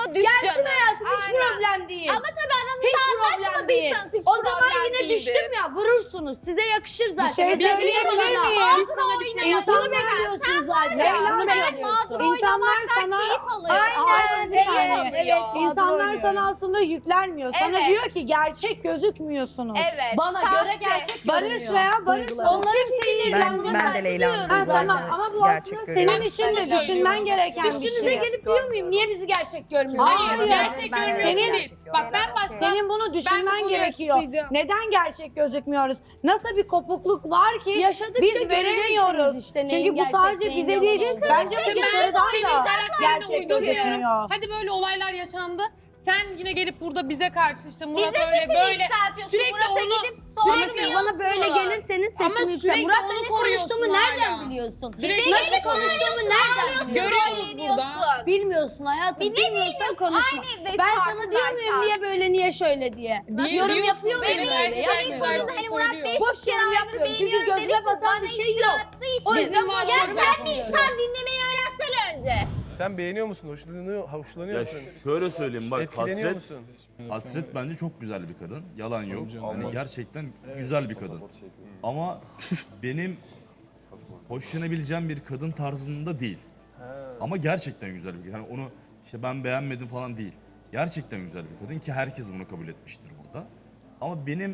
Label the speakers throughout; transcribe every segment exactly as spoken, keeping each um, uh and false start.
Speaker 1: düş
Speaker 2: Gelsin
Speaker 1: canım.
Speaker 2: hayatım hiç
Speaker 1: Aynen.
Speaker 2: problem değil.
Speaker 1: Ama tabii aranızda
Speaker 2: Hiç problem değil.
Speaker 1: anlaşmadıysanız hiç
Speaker 2: O zaman
Speaker 1: problem
Speaker 2: yine
Speaker 1: değildir.
Speaker 2: düştüm ya vurursunuz. Size yakışır zaten.
Speaker 3: Bir şey
Speaker 2: Biz
Speaker 3: söyleyebilir
Speaker 2: sana-
Speaker 3: miyim?
Speaker 1: Biz sana bir şey
Speaker 2: İnsanı
Speaker 1: yapalım.
Speaker 2: bekliyorsun zaten.
Speaker 3: Leyla,
Speaker 2: Bunu
Speaker 3: sen
Speaker 2: bekliyorsun.
Speaker 3: İnsanlar sana
Speaker 1: Keyif alıyor.
Speaker 3: Aynen,
Speaker 1: Keyif
Speaker 3: aynen.
Speaker 1: alıyor.
Speaker 3: İnsanlar sana aslında yüklenmiyor. Sana
Speaker 1: Evet.
Speaker 3: diyor ki gerçek gözükmüyorsunuz.
Speaker 1: Evet.
Speaker 4: Bana
Speaker 1: sahte.
Speaker 4: göre gerçek
Speaker 3: Barış
Speaker 4: görünüyor.
Speaker 3: veya Barış
Speaker 4: Duyguları.
Speaker 2: Onların fikirleri
Speaker 5: Ben-
Speaker 2: buna
Speaker 5: ben de
Speaker 2: saygı
Speaker 5: Leyla'nın
Speaker 2: duyuyorum
Speaker 3: Ha,
Speaker 5: duygularını
Speaker 3: tamam ama bu
Speaker 5: gerçek
Speaker 3: aslında
Speaker 5: görüyorum.
Speaker 3: senin için de düşünmen gereken bir
Speaker 2: Üstünüze
Speaker 3: şey.
Speaker 2: gelip diyor muyum? Niye bizi gerçek görmüyorsun?
Speaker 3: Hayır,
Speaker 4: gerçek
Speaker 5: ben-
Speaker 4: görünüyor
Speaker 3: Senin-
Speaker 4: değil. Bak ben başta
Speaker 3: Senin bunu düşünmen
Speaker 4: konuyu
Speaker 3: gerekiyor.
Speaker 4: açıklayacağım.
Speaker 3: Neden gerçek gözükmüyoruz? Nasıl bir kopukluk var ki
Speaker 2: Yaşadıkça
Speaker 3: biz
Speaker 2: göreceksiniz
Speaker 3: veremiyoruz.
Speaker 2: işte neyin
Speaker 3: Çünkü bu
Speaker 2: gerçek,
Speaker 3: sadece
Speaker 2: neyin
Speaker 3: bize
Speaker 2: yalan
Speaker 3: değil.
Speaker 2: olduğunu.
Speaker 3: Bence bu
Speaker 4: Ben
Speaker 3: dışarıdan
Speaker 4: senin
Speaker 3: da
Speaker 4: karakterine
Speaker 3: gerçek
Speaker 4: uyduruyorum.
Speaker 3: gözükmüyor.
Speaker 4: Hadi böyle olaylar yaşandı. Sen yine gelip burada bize karşı işte
Speaker 1: Biz
Speaker 4: Murat
Speaker 1: de
Speaker 4: öyle
Speaker 1: sesini
Speaker 4: böyle
Speaker 1: yükseltiyorsun.
Speaker 4: sürekli
Speaker 1: Murat'a
Speaker 4: onu
Speaker 1: gidip
Speaker 4: sürekli
Speaker 1: sormuyorsun.
Speaker 2: Bana böyle gelirseniz
Speaker 4: Ama
Speaker 2: sesini yükselt.
Speaker 4: sürekli
Speaker 2: Murat'la
Speaker 4: onu
Speaker 2: ne
Speaker 4: koruyorsun
Speaker 2: konuştuğumu nereden
Speaker 4: hala.
Speaker 2: biliyorsun?
Speaker 4: Sürekli
Speaker 2: Nasıl konuştuğumu nereden biliyorsun?
Speaker 4: Görüyoruz burada.
Speaker 1: Biliyorsun.
Speaker 2: Bilmiyorsun hayatım.
Speaker 1: Bir de
Speaker 2: Bilmiyorsan
Speaker 1: bilmiyorsun.
Speaker 2: konuşma.
Speaker 1: Aynı evdeyiz
Speaker 2: Ben sana diyor muyum
Speaker 1: farkındaysan.
Speaker 2: niye böyle niye şöyle diye?
Speaker 4: Diye-
Speaker 2: Yorum
Speaker 4: diyorsun,
Speaker 2: yapıyor muyum
Speaker 4: evet,
Speaker 2: öyle?
Speaker 4: evet,
Speaker 2: Yapmıyorum.
Speaker 4: evet.
Speaker 1: Konuda hani Murat Bey
Speaker 2: Boş yorum yapmıyorum çünkü gözüme batan bir şey yok. O yüzden
Speaker 4: Bizim var
Speaker 2: boş
Speaker 1: Ya
Speaker 2: yorum
Speaker 1: sen bir
Speaker 2: yapmıyorum.
Speaker 1: insan dinlemeyi öğrensene önce.
Speaker 6: Sen beğeniyor musun? Hoşlanıyor, hoşlanıyor
Speaker 7: Ya
Speaker 6: musun?
Speaker 7: şöyle söyleyeyim bak
Speaker 6: Etkileniyor
Speaker 7: Hasret,
Speaker 6: musun?
Speaker 7: Hasret bence çok güzel bir kadın. Yalan yok.
Speaker 6: canım.
Speaker 7: Hani gerçekten güzel bir kadın. Ama benim hoşlanabileceğim bir kadın tarzında değil. Ama gerçekten güzel bir kadın. Yani onu işte ben beğenmedim falan değil. Gerçekten güzel bir kadın ki herkes bunu kabul etmiştir burada. Ama benim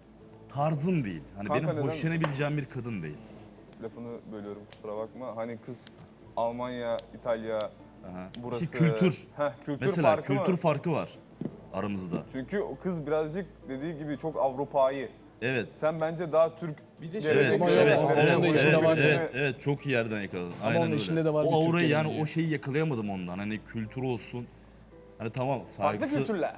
Speaker 7: tarzım değil. Hani
Speaker 8: Kanka
Speaker 7: benim
Speaker 8: neden?
Speaker 7: hoşlanabileceğim bir kadın değil.
Speaker 8: Lafını bölüyorum kusura bakma. Hani kız Almanya, İtalya,
Speaker 7: Aha.
Speaker 8: burası...
Speaker 7: İşte kültür.
Speaker 8: Heh, kültür
Speaker 7: Mesela
Speaker 8: farkı
Speaker 7: kültür
Speaker 8: mı?
Speaker 7: farkı var aramızda.
Speaker 8: Çünkü o kız birazcık dediği gibi çok Avrupa'yı.
Speaker 7: Evet.
Speaker 8: Sen bence daha Türk...
Speaker 6: Bir de
Speaker 7: Evet,
Speaker 6: şöyle
Speaker 7: evet,
Speaker 6: bir
Speaker 7: evet,
Speaker 6: şey
Speaker 7: evet,
Speaker 6: var.
Speaker 7: evet,
Speaker 6: Onun da
Speaker 7: evet,
Speaker 6: içinde var.
Speaker 7: evet, evet, çok iyi yerden yakaladın. Aynen
Speaker 6: onun
Speaker 7: öyle.
Speaker 6: içinde de var bir
Speaker 7: o aurayı
Speaker 6: Türk
Speaker 7: yani
Speaker 6: geleneği.
Speaker 7: o şeyi yakalayamadım ondan. Hani kültür olsun. Hani tamam
Speaker 8: Farklı
Speaker 7: saygısı.
Speaker 8: kültürler.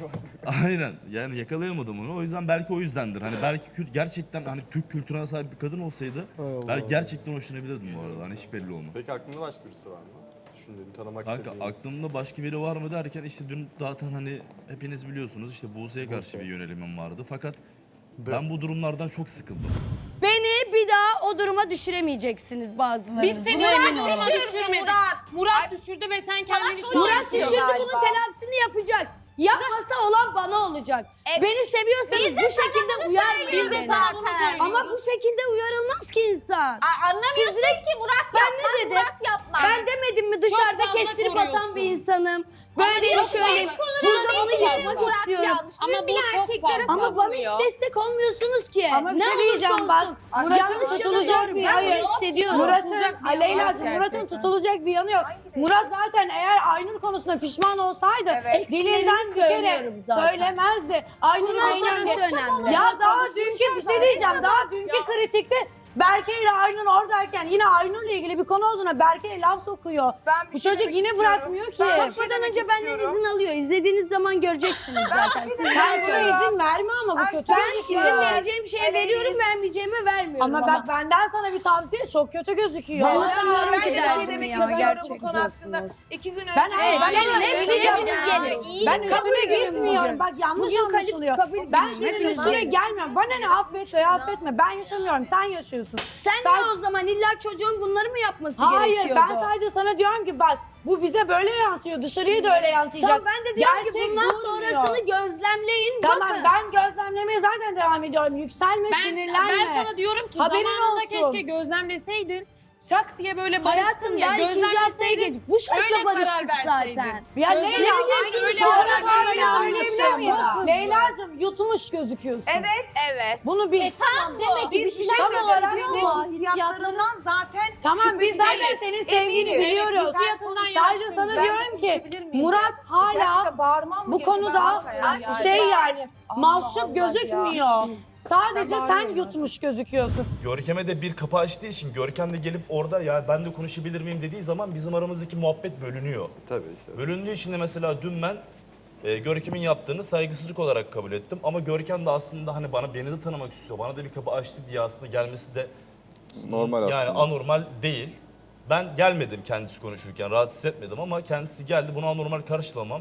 Speaker 7: Aynen. Yani yakalayamadım onu. O yüzden belki o yüzdendir. Hani belki kült gerçekten hani Türk kültürüne sahip bir kadın olsaydı belki gerçekten hoşlanabilirdim bu arada. Hani hiç belli olmaz.
Speaker 9: Peki aklında başka birisi var mı? Düşündüğün, tanımak
Speaker 7: Kanka
Speaker 9: istediğin.
Speaker 7: aklımda başka biri var mı derken işte dün zaten hani hepiniz biliyorsunuz işte Buse'ye karşı bir yönelimim vardı. Fakat ben bu durumlardan çok sıkıldım.
Speaker 2: Beni bir daha o duruma düşüremeyeceksiniz bazılarınız.
Speaker 4: Biz seni
Speaker 2: Buna
Speaker 4: öyle
Speaker 2: emin
Speaker 4: duruma
Speaker 2: olun.
Speaker 4: düşürmedik.
Speaker 1: Murat.
Speaker 4: Murat düşürdü ve sen kendini şu an
Speaker 2: Murat
Speaker 4: düşürdün.
Speaker 2: düşürdü
Speaker 1: galiba.
Speaker 2: bunun telafisini yapacak. Yapmasa olan bana olacak.
Speaker 1: Evet.
Speaker 2: Beni seviyorsanız
Speaker 1: Biz de
Speaker 2: bu
Speaker 1: sana
Speaker 2: şekilde
Speaker 1: bunu
Speaker 2: uyarmayın
Speaker 1: söylüyoruz
Speaker 2: beni.
Speaker 1: sana bunu söylüyoruz.
Speaker 2: Ama bu şekilde uyarılmaz ki insan.
Speaker 1: Aa, anlamıyorsun ki Murat
Speaker 2: Ben
Speaker 1: yapmaz,
Speaker 2: ne dedim?
Speaker 1: Murat yapmaz.
Speaker 2: Ben demedim mi dışarıda
Speaker 4: fazla
Speaker 2: kestirip
Speaker 4: koruyorsun.
Speaker 2: atan bir insanım. Böyle
Speaker 1: çok
Speaker 2: şöyle
Speaker 1: fazla
Speaker 2: burada
Speaker 1: konuda
Speaker 2: onu
Speaker 1: bir şey
Speaker 2: yapmak
Speaker 1: Murat
Speaker 2: istiyorum.
Speaker 1: yanlış.
Speaker 4: Ama
Speaker 1: Ama
Speaker 4: bu
Speaker 1: bir
Speaker 4: çok
Speaker 1: erkeklere
Speaker 4: fazla.
Speaker 2: Ama bana hiç
Speaker 1: savunuyor.
Speaker 2: destek olmuyorsunuz ki.
Speaker 3: Ama bir
Speaker 2: ne
Speaker 3: şey
Speaker 2: olursa
Speaker 3: diyeceğim
Speaker 2: olsun.
Speaker 3: bak.
Speaker 2: Murat'ın
Speaker 3: Murat'ın
Speaker 2: yanlış
Speaker 3: tutulacak
Speaker 2: yanı
Speaker 3: bir
Speaker 2: doğru. Ben
Speaker 3: hayır.
Speaker 2: bunu hissediyorum.
Speaker 3: Murat'ın
Speaker 4: Tutulacak bir yanı
Speaker 3: Aleyla'cığım
Speaker 4: yok
Speaker 3: Murat'ın
Speaker 4: gerçekten.
Speaker 3: tutulacak bir yanı yok. Murat zaten eğer Aynur konusunda pişman olsaydı dilinden bir kere
Speaker 2: söylüyorum zaten.
Speaker 3: söylemezdi. Aynur'un
Speaker 2: Bundan
Speaker 3: beğenmesi-
Speaker 2: sonrası önemli.
Speaker 3: Ya daha dünkü bir şey diyeceğim. Daha dünkü kritikte Berke ile Aynur oradayken yine Aynur'la ilgili bir konu olduğuna Berke'ye laf sokuyor.
Speaker 5: Ben bir
Speaker 3: Bu
Speaker 5: şey
Speaker 3: çocuk
Speaker 5: demek
Speaker 3: yine
Speaker 5: istiyorum.
Speaker 3: bırakmıyor ki.
Speaker 5: Ben bir şey
Speaker 2: Konuşmadan
Speaker 5: demek
Speaker 2: önce benden
Speaker 5: istiyorum.
Speaker 2: izin alıyor. İzlediğiniz zaman göreceksiniz zaten. Siz
Speaker 3: Sen
Speaker 2: rahat
Speaker 3: buna
Speaker 2: olun.
Speaker 3: izin verme ama bu
Speaker 5: Ay,
Speaker 3: kötü
Speaker 5: sen
Speaker 3: gözüküyor.
Speaker 2: İzin vereceğim şeye
Speaker 5: Evet.
Speaker 2: veriyorum, vermeyeceğime vermiyorum.
Speaker 3: Ama bak benden sana bir tavsiye çok kötü gözüküyor.
Speaker 2: Ben anlamıyorum
Speaker 5: Ben
Speaker 2: ki
Speaker 5: de bir
Speaker 2: derdimi
Speaker 5: şey demek
Speaker 2: ya,
Speaker 5: istiyorum
Speaker 2: gerçek
Speaker 5: bu konu hakkında.
Speaker 2: diyorsunuz.
Speaker 5: İki gün önce...
Speaker 3: Ben hayır, ben
Speaker 2: gelin,
Speaker 3: öyle
Speaker 2: hepsi
Speaker 3: diyeceğim.
Speaker 2: hepimiz gelin. İyi,
Speaker 3: Ben
Speaker 2: kabul
Speaker 3: üstüne
Speaker 2: ediyorum
Speaker 3: gitmiyorum.
Speaker 2: bugün.
Speaker 3: Bak yanlış
Speaker 2: Bugün kabul-
Speaker 3: anlaşılıyor.
Speaker 2: kabul
Speaker 3: Ben
Speaker 2: ediyorum.
Speaker 3: senin
Speaker 2: Hepimiz
Speaker 3: üstüne
Speaker 2: gelin.
Speaker 3: gelmiyorum. Bana ne affet veya affetme. Ben yaşamıyorum. Sen yaşıyorsun.
Speaker 2: Sen
Speaker 3: Sen-
Speaker 2: ne o zaman illa çocuğun bunları mı yapması
Speaker 3: Hayır
Speaker 2: gerekiyordu?
Speaker 3: ben sadece sana diyorum ki bak bu bize böyle yansıyor. Dışarıya da öyle yansıyacak.
Speaker 2: Tamam ben de diyorum ki
Speaker 3: Gerçek
Speaker 2: bundan
Speaker 3: durmuyor.
Speaker 2: sonrasını gözlemleyin.
Speaker 3: Tamam
Speaker 2: bakın.
Speaker 3: ben gözlemlemeye zaten devam ediyorum. Yükselme,
Speaker 4: Ben,
Speaker 3: sinirlenme.
Speaker 4: ben sana diyorum ki
Speaker 3: Haberin
Speaker 4: zamanında
Speaker 3: olsun.
Speaker 4: keşke gözlemleseydin. Şak diye böyle barıştın
Speaker 2: Hayatım
Speaker 4: ya
Speaker 2: daha ikinci haftaya
Speaker 4: gözlemleseydin.
Speaker 2: geç. Bu şartla
Speaker 4: öyle
Speaker 2: barıştık
Speaker 4: karar verseydin.
Speaker 2: zaten.
Speaker 3: Ya
Speaker 4: Gözlemle-
Speaker 3: Leyla,
Speaker 4: Aynen öyle
Speaker 3: şu an
Speaker 4: karar
Speaker 3: sadece
Speaker 4: verseydin.
Speaker 3: söyleyebilir miyim?
Speaker 2: Çok hızlı.
Speaker 3: Leyla'cığım yutmuş gözüküyorsun.
Speaker 5: Evet.
Speaker 1: Evet.
Speaker 3: Bunu bil.
Speaker 4: Tamam demek ki bir
Speaker 5: Biz bir
Speaker 4: şeyler
Speaker 5: şey
Speaker 3: tam olarak
Speaker 5: söyleyeceğiz.
Speaker 4: ama
Speaker 5: Hissiyatlarından zaten
Speaker 3: Tamam biz zaten
Speaker 4: Evet,
Speaker 3: senin sevgini
Speaker 5: eminim.
Speaker 3: biliyoruz.
Speaker 4: Hissiyatından
Speaker 3: Sadece
Speaker 4: yanaşmıyoruz.
Speaker 3: sana
Speaker 5: Ben
Speaker 3: diyorum ki
Speaker 5: konuşabilir miyim?
Speaker 3: Murat hala
Speaker 5: Gerçekten bağırmam mı
Speaker 3: bu
Speaker 5: gerekiyor?
Speaker 3: konuda
Speaker 5: Ben yani.
Speaker 3: şey yani
Speaker 5: Allah
Speaker 3: mahcup
Speaker 5: Allah
Speaker 3: gözükmüyor. Sadece
Speaker 5: Ben
Speaker 3: sen
Speaker 5: bağırıyorum
Speaker 3: yutmuş gözüküyorsun.
Speaker 7: Görkem'e de bir kapı açtığı için Görkem de gelip orada ya ben de konuşabilir miyim dediği zaman bizim aramızdaki muhabbet bölünüyor.
Speaker 9: Tabii.
Speaker 7: Bölündüğü için de mesela dün ben e, Görkem'in yaptığını saygısızlık olarak kabul ettim. Ama Görkem de aslında hani bana beni de tanımak istiyor. Bana da bir kapı açtı diye aslında gelmesi de
Speaker 8: Normal aslında.
Speaker 7: yani anormal değil. Ben gelmedim kendisi konuşurken rahatsız etmedim ama kendisi geldi bunu anormal karşılamam.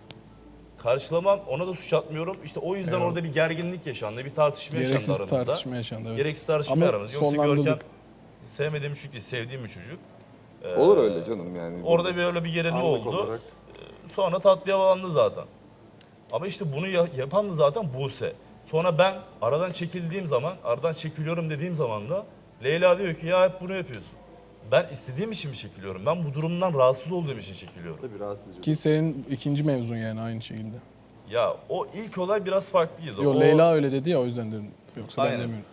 Speaker 7: Karşılamam ona da suç atmıyorum. İşte o yüzden orada bir gerginlik yaşandı, bir tartışma yaşandı
Speaker 6: Gereksiz
Speaker 7: aramızda.
Speaker 6: tartışma yaşandı. Evet.
Speaker 7: Gereksiz tartışma
Speaker 6: Ama
Speaker 7: aramızda. Yoksa
Speaker 6: sonlandırdık.
Speaker 7: Görkem sevmediğim bir çocuk değil, sevdiğim bir çocuk. Ee,
Speaker 8: Olur öyle canım yani.
Speaker 7: Orada böyle bir gerilme
Speaker 9: Anlık
Speaker 7: oldu.
Speaker 9: olarak.
Speaker 7: Sonra tatlıya bağlandı zaten. Ama işte bunu ya- yapan da zaten Buse. Sonra ben aradan çekildiğim zaman, aradan çekiliyorum dediğim zaman da Leyla diyor ki ya hep bunu yapıyorsun. Ben istediğim için mi çekiliyorum? Ben bu durumdan rahatsız olduğum için çekiliyorum.
Speaker 9: Tabii rahatsız edici.
Speaker 10: Ki senin ikinci mevzun yani aynı şekilde.
Speaker 7: Ya o ilk olay biraz farklıydı.
Speaker 10: Yo
Speaker 7: o,
Speaker 10: Leyla öyle dedi ya o yüzden dedim. Yoksa
Speaker 7: Aynen.
Speaker 10: ben demiyorum.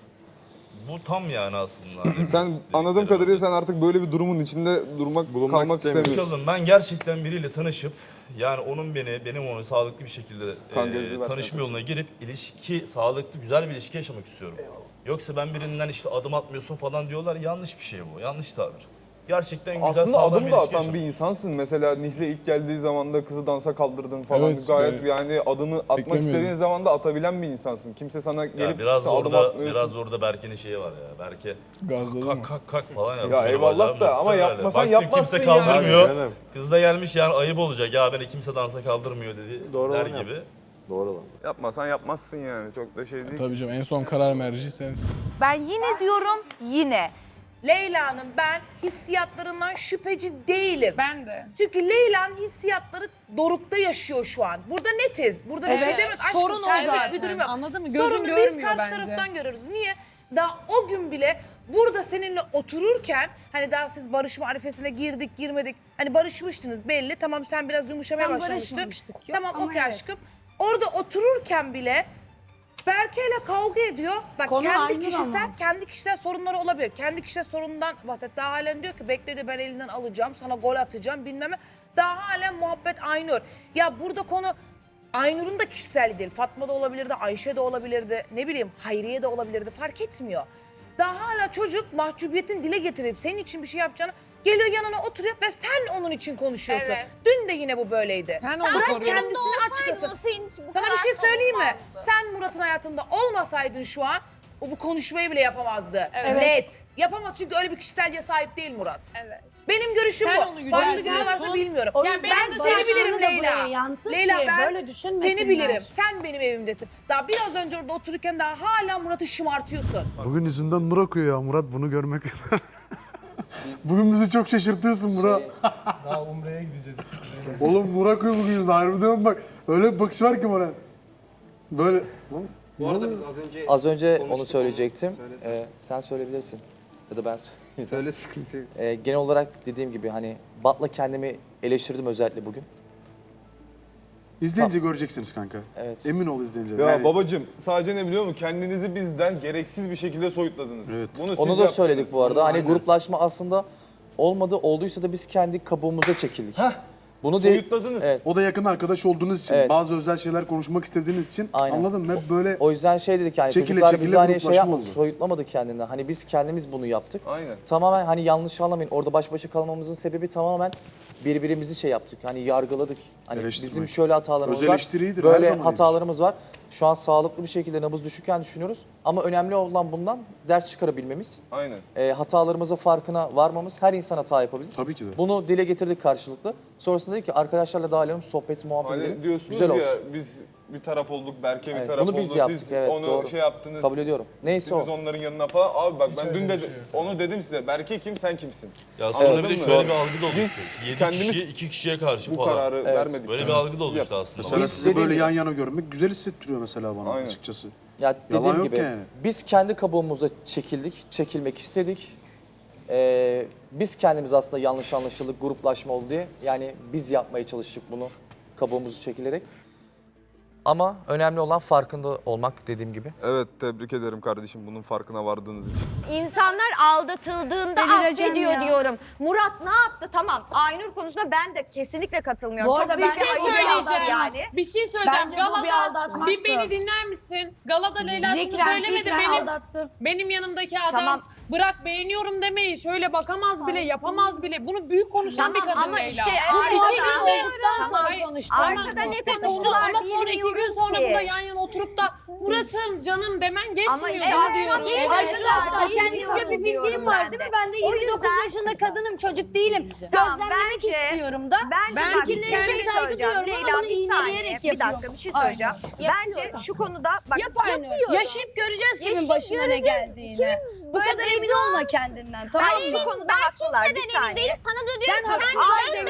Speaker 7: Bu tam yani aslında. Hani
Speaker 8: Sen anladığım kadarıyla sen artık böyle bir durumun içinde durmak,
Speaker 9: Bulunmak
Speaker 8: kalmak
Speaker 9: istemiyorsun.
Speaker 8: istemiyorsun.
Speaker 7: Bakalım ben gerçekten biriyle tanışıp yani onun beni, benim onu sağlıklı bir şekilde
Speaker 8: Kan
Speaker 7: e,
Speaker 8: gözlüğü versene.
Speaker 7: tanışma yoluna girip ilişki, sağlıklı, güzel bir ilişki yaşamak istiyorum. Yoksa ben birinden işte adım atmıyorsun falan diyorlar. Yanlış bir şey bu. Yanlış tabir. Gerçekten güzel,
Speaker 8: Aslında
Speaker 7: sağlam
Speaker 8: adım
Speaker 7: bir
Speaker 8: da
Speaker 7: ilişki
Speaker 8: atan bir
Speaker 7: yaşamak.
Speaker 8: insansın. Mesela Nihle ilk geldiği zaman da kızı dansa kaldırdın falan.
Speaker 10: Evet,
Speaker 8: Gayet
Speaker 10: evet.
Speaker 8: yani adımı atmak
Speaker 10: Beklemiyordum.
Speaker 8: istediğin zaman da atabilen bir insansın. Kimse sana
Speaker 7: Ya
Speaker 8: gelip
Speaker 7: biraz
Speaker 8: sen adım
Speaker 7: orada
Speaker 8: atmıyorsun.
Speaker 7: biraz orada Berke'nin şeyi var ya. Berke
Speaker 10: Gazladı
Speaker 7: kak
Speaker 10: mı?
Speaker 7: kak kak falan yapıyor.
Speaker 8: Ya
Speaker 7: Böyle
Speaker 8: eyvallah
Speaker 7: bacağım
Speaker 8: da ama
Speaker 7: böyle.
Speaker 8: yapmasan
Speaker 7: Baktın
Speaker 8: yapmazsın
Speaker 7: kimse
Speaker 8: yani.
Speaker 7: kaldırmıyor.
Speaker 9: Canım.
Speaker 7: Kız da gelmiş yani ayıp olacak ya beni kimse dansa kaldırmıyor dedi.
Speaker 9: Doğru
Speaker 7: der
Speaker 9: olan
Speaker 7: gibi.
Speaker 9: yapsın. Doğru olan.
Speaker 8: Yapmasan yapmazsın yani. Çok da şey değil.
Speaker 10: Tabii canım en son karar merci sensin.
Speaker 5: Ben yine diyorum yine. Leyla'nın ben hissiyatlarından şüpheci değilim.
Speaker 4: Ben de.
Speaker 5: Çünkü Leyla'nın hissiyatları dorukta yaşıyor şu an. Burada netiz. Burada bir şey
Speaker 4: Evet,
Speaker 5: demiyoruz. Aşkım
Speaker 4: sorun o
Speaker 5: senlik
Speaker 4: zaten.
Speaker 5: bir durum yok.
Speaker 4: Anladın mı? Gözün
Speaker 5: Sorunu biz
Speaker 4: görmüyor
Speaker 5: karşı
Speaker 4: bence.
Speaker 5: taraftan görüyoruz. Niye? Daha o gün bile burada seninle otururken hani daha siz barışma arifesine girdik girmedik. Hani barışmıştınız belli. Tamam sen biraz yumuşamaya
Speaker 2: Tam
Speaker 5: başlamıştın.
Speaker 2: barışmamıştık. Yok,
Speaker 5: Tamam
Speaker 2: ama
Speaker 5: okey
Speaker 2: evet.
Speaker 5: aşkım. Orada otururken bile Berke'yle kavga ediyor. Bak
Speaker 3: Konu
Speaker 5: kendi
Speaker 3: Aynur
Speaker 5: kişisel,
Speaker 3: ama.
Speaker 5: kendi kişisel sorunları olabilir. Kendi kişisel sorunundan bahset. Daha halen diyor ki bekle diyor ben elinden alacağım, sana gol atacağım bilmem ne. Daha halen muhabbet Aynur. Ya burada konu Aynur'un da kişisel değil. Fatma da olabilirdi, Ayşe de olabilirdi. Ne bileyim Hayriye de olabilirdi. Fark etmiyor. Daha hala çocuk mahcubiyetin dile getirip senin için bir şey yapacağını geliyor yanına oturuyor ve sen onun için konuşuyorsun.
Speaker 1: Evet.
Speaker 5: Dün de yine bu böyleydi.
Speaker 4: Sen onu
Speaker 5: Bırak
Speaker 4: koruyorsun.
Speaker 5: kendisini açıklasın.
Speaker 1: Nasıl hiç bu
Speaker 5: Sana
Speaker 1: kadar
Speaker 5: bir şey söyleyeyim mi?
Speaker 1: savunmazdı?
Speaker 5: Sen Murat'ın hayatında olmasaydın şu an o bu konuşmayı bile yapamazdı.
Speaker 1: Evet.
Speaker 5: Net. Yapamaz çünkü öyle bir kişiselce sahip değil Murat.
Speaker 1: Evet.
Speaker 5: Benim görüşüm
Speaker 4: Sen
Speaker 5: bu.
Speaker 4: onu
Speaker 5: Farklı
Speaker 4: yüceltiyorsun.
Speaker 5: görüyorlarsa bilmiyorum.
Speaker 3: O
Speaker 5: Yani
Speaker 3: yüzden
Speaker 5: ben
Speaker 3: barışını
Speaker 5: seni bilirim
Speaker 3: da buraya
Speaker 5: Leyla.
Speaker 3: yansıt
Speaker 5: Leyla
Speaker 3: ki
Speaker 5: ben
Speaker 3: böyle düşünmesinler.
Speaker 5: seni bilirim. Sen benim evimdesin. Daha biraz önce orada otururken daha hala Murat'ı şımartıyorsun.
Speaker 9: Bugün yüzünden nur akıyor ya Murat bunu görmek. Bugün bizi çok şaşırtıyorsun Murat.
Speaker 6: Daha Umre'ye gideceğiz.
Speaker 9: Oğlum nur akıyor bugün yüzünden. Harbiden bak. Öyle bir bakış var ki Murat. Böyle.
Speaker 11: Bu arada biz az önce Az önce onu söyleyecektim. Ee, sen söyleyebilirsin. Ya da ben söyleyeyim. Söyle sıkıntı yok. Ee, genel olarak dediğim gibi hani Bat'la kendimi eleştirdim özellikle bugün.
Speaker 9: İzleyince göreceksiniz kanka.
Speaker 11: Evet.
Speaker 9: Emin ol izleyince.
Speaker 8: Ya
Speaker 9: Yani-
Speaker 8: babacım sadece ne biliyor musun? Kendinizi bizden gereksiz bir şekilde soyutladınız.
Speaker 9: Evet.
Speaker 8: Bunu siz
Speaker 11: Onu da
Speaker 8: yaptınız.
Speaker 11: söyledik bu arada. Hani
Speaker 9: Aynen.
Speaker 11: gruplaşma aslında olmadı. Olduysa da biz kendi kabuğumuza çekildik.
Speaker 8: Heh,
Speaker 11: Bunu de
Speaker 8: Soyutladınız.
Speaker 11: Evet.
Speaker 9: O da yakın arkadaş olduğunuz için,
Speaker 11: Evet.
Speaker 9: bazı özel şeyler konuşmak istediğiniz için
Speaker 11: Aynen.
Speaker 9: anladın mı? Hep böyle
Speaker 11: O yüzden şey dedik yani
Speaker 9: Çekile
Speaker 11: çocuklar
Speaker 9: çekile
Speaker 11: bizi hani şey
Speaker 9: gruplaşma
Speaker 11: yapmadı,
Speaker 9: oldu.
Speaker 11: soyutlamadı kendinden. Hani biz kendimiz bunu yaptık.
Speaker 8: Aynen.
Speaker 11: Tamamen hani yanlış anlamayın. Orada baş başa kalmamızın sebebi tamamen birbirimizi şey yaptık. Hani yargıladık. Hani
Speaker 9: Eleştirmek.
Speaker 11: bizim şöyle hatalarımız
Speaker 9: Öz
Speaker 11: var.
Speaker 9: eleştiri iyidir, her
Speaker 11: Böyle
Speaker 9: zaman iyidir.
Speaker 11: hatalarımız var. Şu an sağlıklı bir şekilde nabız düşükken düşünüyoruz. Ama önemli olan bundan ders çıkarabilmemiz.
Speaker 8: Aynen.
Speaker 11: E, hatalarımızın farkına varmamız. Her insan hata yapabilir.
Speaker 9: tabii ki de.
Speaker 11: Bunu dile getirdik karşılıklı. Sonrasında dedik ki arkadaşlarla dağılalım, sohbet, muhabbet
Speaker 8: Hani
Speaker 11: edelim.
Speaker 8: diyorsunuz
Speaker 11: Güzel
Speaker 8: ya
Speaker 11: olsun.
Speaker 8: biz bir taraf olduk, Berke bir
Speaker 11: Evet,
Speaker 8: taraf
Speaker 11: bunu biz
Speaker 8: oldu.
Speaker 11: yaptık,
Speaker 8: Siz
Speaker 11: evet,
Speaker 8: onu
Speaker 11: doğru.
Speaker 8: şey yaptınız.
Speaker 11: Kabul ediyorum. Neyse
Speaker 8: Siz
Speaker 11: o.
Speaker 8: onların yanına falan. Abi bak ben
Speaker 6: öyle
Speaker 8: dün
Speaker 6: bir
Speaker 8: de
Speaker 6: şey yok.
Speaker 8: onu dedim size. Berke kim sen kimsin?
Speaker 7: Ya sonra
Speaker 8: Anladın
Speaker 7: bir de
Speaker 8: mı?
Speaker 7: şöyle bir algı da oluştu.
Speaker 8: Biz
Speaker 7: Yedi
Speaker 8: kendimiz
Speaker 7: kişiye, iki kişiye karşı
Speaker 8: Bu
Speaker 7: falan.
Speaker 8: kararı
Speaker 11: Evet.
Speaker 8: vermedik.
Speaker 7: Böyle
Speaker 8: yani.
Speaker 7: bir algı da
Speaker 8: Siz
Speaker 7: oluştu
Speaker 8: yaptınız.
Speaker 7: aslında.
Speaker 9: Mesela
Speaker 11: Biz
Speaker 9: sizi
Speaker 11: dediğim
Speaker 9: böyle
Speaker 11: gibi-
Speaker 9: yan yana görmek güzel hissettiriyor mesela bana
Speaker 8: Aynen.
Speaker 9: açıkçası.
Speaker 11: Ya dediğim
Speaker 9: Yalan yok
Speaker 11: gibi
Speaker 9: yani.
Speaker 11: biz kendi kabuğumuza çekildik, çekilmek istedik. Ee, biz kendimiz aslında yanlış anlaşıldık, gruplaşma oldu diye. Yani biz yapmaya çalıştık bunu kabuğumuzu çekilerek. Ama önemli olan farkında olmak dediğim gibi.
Speaker 8: Evet tebrik ederim kardeşim bunun farkına vardığınız için.
Speaker 1: İnsanlar aldatıldığında
Speaker 2: Delireceğim
Speaker 1: affediyor
Speaker 2: ya.
Speaker 1: diyorum. Murat ne yaptı? Tamam. Aynur konusunda ben de kesinlikle katılmıyorum.
Speaker 3: Bu
Speaker 1: Çok
Speaker 3: arada
Speaker 1: büyük
Speaker 3: ben
Speaker 1: bir
Speaker 3: şey
Speaker 1: ayıp
Speaker 4: söyleyeceğim.
Speaker 1: yani.
Speaker 4: Bir şey söyleyeceğim.
Speaker 3: Bence bu bir
Speaker 4: Galada
Speaker 3: aldatmaktı.
Speaker 4: bir beni dinler misin? Galada Leyla şunu
Speaker 3: Zikren,
Speaker 4: söylemedi.
Speaker 3: fikren
Speaker 4: Benim
Speaker 3: aldattı.
Speaker 4: benim yanımdaki adam
Speaker 1: Tamam.
Speaker 4: bırak beğeniyorum demeyi şöyle bakamaz bile, yapamaz bile. Bunu büyük konuşan
Speaker 1: Tamam,
Speaker 4: bir kadın
Speaker 1: ama
Speaker 4: Leyla.
Speaker 1: işte
Speaker 4: Bu
Speaker 1: arkada-
Speaker 4: iki günde
Speaker 2: olduktan sonra
Speaker 4: Hayır,
Speaker 2: konuştu.
Speaker 4: tamam,
Speaker 1: Arkada ne
Speaker 4: işte
Speaker 1: konuştular
Speaker 4: ama sonra iki gün
Speaker 1: bilmiyoruz
Speaker 4: sonra
Speaker 1: ki.
Speaker 4: burada yan yana oturup da Murat'ım canım demen
Speaker 1: Ama
Speaker 4: geçmiyor
Speaker 1: işte
Speaker 4: ya
Speaker 1: evet,
Speaker 4: diyorum.
Speaker 1: evet.
Speaker 2: Arkadaşlar
Speaker 1: Evet.
Speaker 2: kendimce bir bildiğim
Speaker 1: Diyorum
Speaker 2: var
Speaker 1: ben
Speaker 2: değil
Speaker 1: de.
Speaker 2: mi? Ben de
Speaker 1: O
Speaker 2: yirmi dokuz
Speaker 1: yüzden-
Speaker 2: yaşında kadınım, çocuk değilim.
Speaker 1: Tamam,
Speaker 2: Gözlemlemek
Speaker 1: bence-
Speaker 2: istiyorum da.
Speaker 1: Bence
Speaker 4: Ben
Speaker 1: bak, bir
Speaker 4: fikirlerine
Speaker 1: şey
Speaker 2: saygı
Speaker 1: söyleyeceğim.
Speaker 2: duyuyorum ama
Speaker 1: Leyla
Speaker 2: bunu
Speaker 1: bir saniye.
Speaker 2: iğneleyerek
Speaker 1: Bir dakika
Speaker 2: yapıyorum.
Speaker 1: bir şey
Speaker 2: Aynen.
Speaker 1: söyleyeceğim. Bence
Speaker 2: Yapıyorum.
Speaker 1: şu konuda bak
Speaker 2: Yapıyorum. Yaşayıp göreceğiz kimin
Speaker 1: Yaşayıp
Speaker 2: başına ne
Speaker 1: göreceğiz.
Speaker 2: geldiğini. Bu kadar emin olma kendinden. Tamam
Speaker 1: ben
Speaker 2: mı?
Speaker 1: şu konuda haklılar bir saniye.
Speaker 2: Sana da
Speaker 1: Ben
Speaker 2: diyorum
Speaker 1: haklılar demiyorum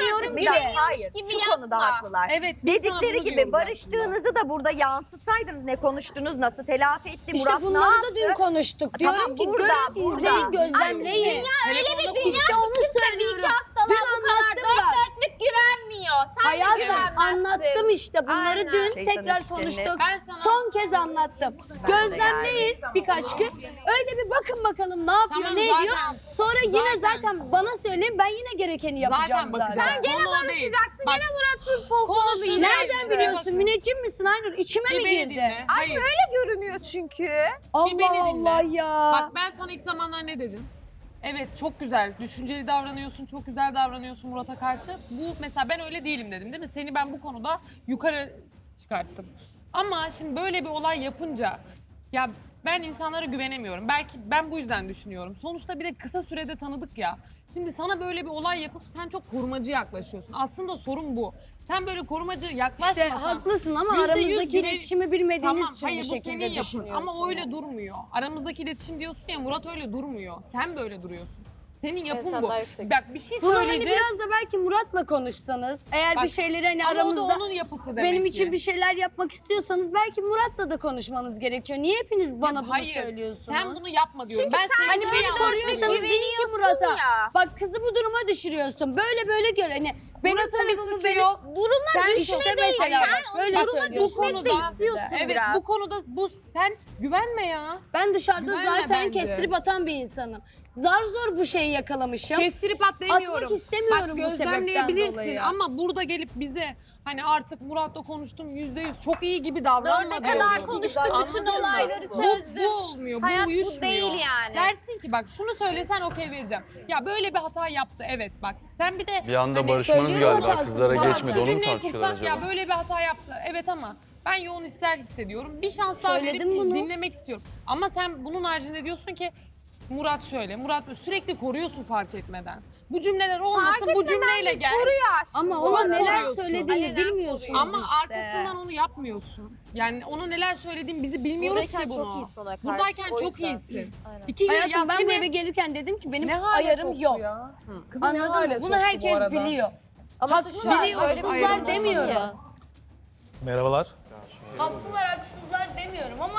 Speaker 1: Hayır, hayır.
Speaker 12: gibi
Speaker 1: Şu konuda
Speaker 12: yapma.
Speaker 1: haklılar.
Speaker 4: Evet, biz sana
Speaker 1: Dedikleri
Speaker 4: bunu
Speaker 1: gibi
Speaker 4: diyoruz
Speaker 1: barıştığınızı da burada yansıtsaydınız, ne konuştunuz, nasıl telafi etti,
Speaker 2: İşte
Speaker 1: Murat ne
Speaker 2: bunları
Speaker 1: yaptı?
Speaker 2: da dün konuştuk. Diyorum
Speaker 1: Tamam,
Speaker 2: ki
Speaker 1: burada,
Speaker 2: görün,
Speaker 1: burada.
Speaker 2: izleyin, gözlemleyin.
Speaker 4: Telefonda konuş.
Speaker 2: İşte onu söylüyorum. Dün anlattım ben.
Speaker 12: Dörtlük güvenmiyor. Sen de
Speaker 2: Hayatım
Speaker 12: güvenmezsin.
Speaker 2: anlattım işte. Bunları
Speaker 12: Aynen.
Speaker 2: dün
Speaker 1: Şeytanın
Speaker 2: tekrar
Speaker 1: üçgenini-
Speaker 2: konuştuk.
Speaker 4: Ben sana-
Speaker 2: Son kez anlattım. Gözlemleyin birkaç gün. Öyle bir bakın bakalım ne yapıyor,
Speaker 4: Tamam,
Speaker 2: ne
Speaker 4: zaten-
Speaker 2: ediyor. Sonra yine
Speaker 4: zaten-
Speaker 2: zaten bana söyleyin, ben yine gerekeni yapacağım
Speaker 4: Zaten
Speaker 2: zaten.
Speaker 4: bakacağız.
Speaker 12: Sen gene
Speaker 4: Konu o değil.
Speaker 12: barışacaksın.
Speaker 4: Bak,
Speaker 12: Gene Murat'ın
Speaker 4: konu
Speaker 12: pohpoğunu
Speaker 4: şu
Speaker 12: yine.
Speaker 2: Nereden biliyorsun? Müneccim misin Aynur? İçime
Speaker 4: Bir
Speaker 2: mi
Speaker 4: beni
Speaker 2: girdi?
Speaker 4: dinle. Hayır.
Speaker 1: Görünüyor çünkü.
Speaker 2: Allah
Speaker 4: Bir beni dinle.
Speaker 2: Allah ya.
Speaker 4: Bak ben sana ilk zamanlar ne dedim? Evet çok güzel, düşünceli davranıyorsun, çok güzel davranıyorsun Murat'a karşı. Bu mesela ben öyle değilim dedim değil mi? Seni ben bu konuda yukarı çıkarttım. Ama şimdi böyle bir olay yapınca ya ben insanlara güvenemiyorum. Belki ben bu yüzden düşünüyorum. Sonuçta bir de kısa sürede tanıdık ya. Şimdi sana böyle bir olay yapıp sen çok korumacı yaklaşıyorsun. Aslında sorun bu. Sen böyle korumacı
Speaker 2: İşte
Speaker 4: yaklaşmasan...
Speaker 2: haklısın ama
Speaker 4: yüzde yüz
Speaker 2: aramızdaki
Speaker 4: güven-
Speaker 2: iletişimi bilmediğiniz
Speaker 4: Tamam,
Speaker 2: için
Speaker 4: hayır
Speaker 2: bu
Speaker 4: bu senin
Speaker 2: şekilde
Speaker 4: yapın
Speaker 2: düşünüyorsunuz.
Speaker 4: ama öyle durmuyor. Aramızdaki iletişim diyorsun ya Murat öyle durmuyor. Sen böyle duruyorsun. Senin yapın
Speaker 12: sen
Speaker 4: bu.
Speaker 12: daha yüksek.
Speaker 4: Bak bir şey
Speaker 2: Bunu hani
Speaker 4: söyleyeceğiz.
Speaker 2: biraz da belki Murat'la konuşsanız, eğer
Speaker 4: Bak,
Speaker 2: bir şeyleri hani
Speaker 4: ama o da
Speaker 2: aramızda
Speaker 4: onun yapısı demek
Speaker 2: benim
Speaker 4: ki.
Speaker 2: için bir şeyler yapmak istiyorsanız belki Murat'la da konuşmanız gerekiyor. Niye hepiniz bana
Speaker 4: Ya
Speaker 2: bunu
Speaker 4: hayır,
Speaker 2: söylüyorsunuz?
Speaker 4: Sen bunu yapma diyorum.
Speaker 12: Çünkü
Speaker 4: ben
Speaker 12: sen
Speaker 4: seni
Speaker 2: Hani
Speaker 4: çok
Speaker 2: beni
Speaker 4: yanlış
Speaker 2: koruyorsanız
Speaker 4: biliyorum.
Speaker 2: deyin ki Murat'a.
Speaker 12: ya.
Speaker 2: Bak kızı bu duruma düşürüyorsun. Böyle böyle gör. Hani benim
Speaker 4: Murat'ın bir
Speaker 2: tarafımı
Speaker 4: suçu
Speaker 2: benim...
Speaker 4: yok.
Speaker 12: Duruma
Speaker 4: Sen
Speaker 12: düşme
Speaker 2: işte
Speaker 12: değil.
Speaker 2: mesela
Speaker 12: Sen
Speaker 2: bak, böyle
Speaker 12: onu duruma
Speaker 2: söylüyorsun.
Speaker 4: Bu
Speaker 12: düşmek de
Speaker 4: konuda
Speaker 12: istiyorsun
Speaker 4: evet,
Speaker 12: biraz.
Speaker 4: bu konuda bu sen güvenme ya.
Speaker 2: Ben dışarıda
Speaker 4: Güvenme
Speaker 2: zaten
Speaker 4: bence.
Speaker 2: kestirip atan bir insanım. Zar zor bu şeyi yakalamışım.
Speaker 4: Kestirip at demiyorum.
Speaker 2: Atmak istemiyorum
Speaker 4: Bak,
Speaker 2: bu sebepten
Speaker 4: gözlemleyebilirsin
Speaker 2: dolayı.
Speaker 4: ama burada gelip bize hani artık Murat'la konuştum yüzde yüz çok iyi gibi davranma
Speaker 12: Ne kadar
Speaker 4: diyorum.
Speaker 12: konuştuk, bütün
Speaker 4: Anladın mı?
Speaker 12: olayları
Speaker 4: Bu,
Speaker 12: çözdük.
Speaker 4: bu olmuyor,
Speaker 12: Hayat
Speaker 4: bu
Speaker 12: bu
Speaker 4: uyuşmuyor.
Speaker 12: değil yani.
Speaker 4: Dersin ki bak şunu söylesen okey vereceğim. Ya böyle bir hata yaptı evet bak. Sen bir de
Speaker 6: Bir anda
Speaker 4: hani
Speaker 6: barışmanız
Speaker 2: söylüyor
Speaker 6: galiba.
Speaker 2: hatasını.
Speaker 6: Kızlara
Speaker 2: Tamam,
Speaker 6: geçmedi.
Speaker 4: şu
Speaker 6: Onu mu
Speaker 4: cümleyi
Speaker 6: tartışıyorlar
Speaker 4: kursan,
Speaker 6: acaba?
Speaker 4: Ya böyle bir hata yaptı evet ama ben yoğun ister hissediyorum. Bir şans daha
Speaker 2: Söyledim
Speaker 4: verip
Speaker 2: bunu.
Speaker 4: dinlemek istiyorum. Ama sen bunun haricinde diyorsun ki Murat şöyle, Murat böyle. Sürekli koruyorsun fark etmeden. Bu cümleler olmasın, bu cümleyle gel.
Speaker 2: Ama
Speaker 4: Çok
Speaker 2: ona neler
Speaker 4: koruyorsun.
Speaker 2: söylediğini
Speaker 12: Alenen
Speaker 2: bilmiyorsunuz
Speaker 4: Ama
Speaker 2: işte.
Speaker 4: arkasından onu yapmıyorsun. Yani onu neler söylediğin bizi bilmiyoruz
Speaker 12: Buradayken
Speaker 4: ki bunu.
Speaker 12: çok iyisin ona karşı,
Speaker 4: Buradayken
Speaker 12: o
Speaker 4: çok
Speaker 12: yüzden.
Speaker 4: iyisin.
Speaker 12: Aynen.
Speaker 4: İki gün
Speaker 2: Hayatım ben bu
Speaker 4: Yasin'e-
Speaker 2: eve gelirken dedim ki benim
Speaker 4: Ne hale
Speaker 2: ayarım
Speaker 4: soktu
Speaker 2: yok.
Speaker 4: ya? Kızı ne
Speaker 2: Anladın
Speaker 4: hale
Speaker 2: mı? Bunu
Speaker 4: soktu bu
Speaker 2: herkes
Speaker 4: arada?
Speaker 2: biliyor.
Speaker 12: Ama suçlu var.
Speaker 4: biliyoruz,
Speaker 12: Öyle bir
Speaker 2: Haksızlar
Speaker 12: ayrım olsun
Speaker 2: demiyorum.
Speaker 12: ya.
Speaker 6: Merhabalar.
Speaker 2: Haklılar haksızlar demiyorum ama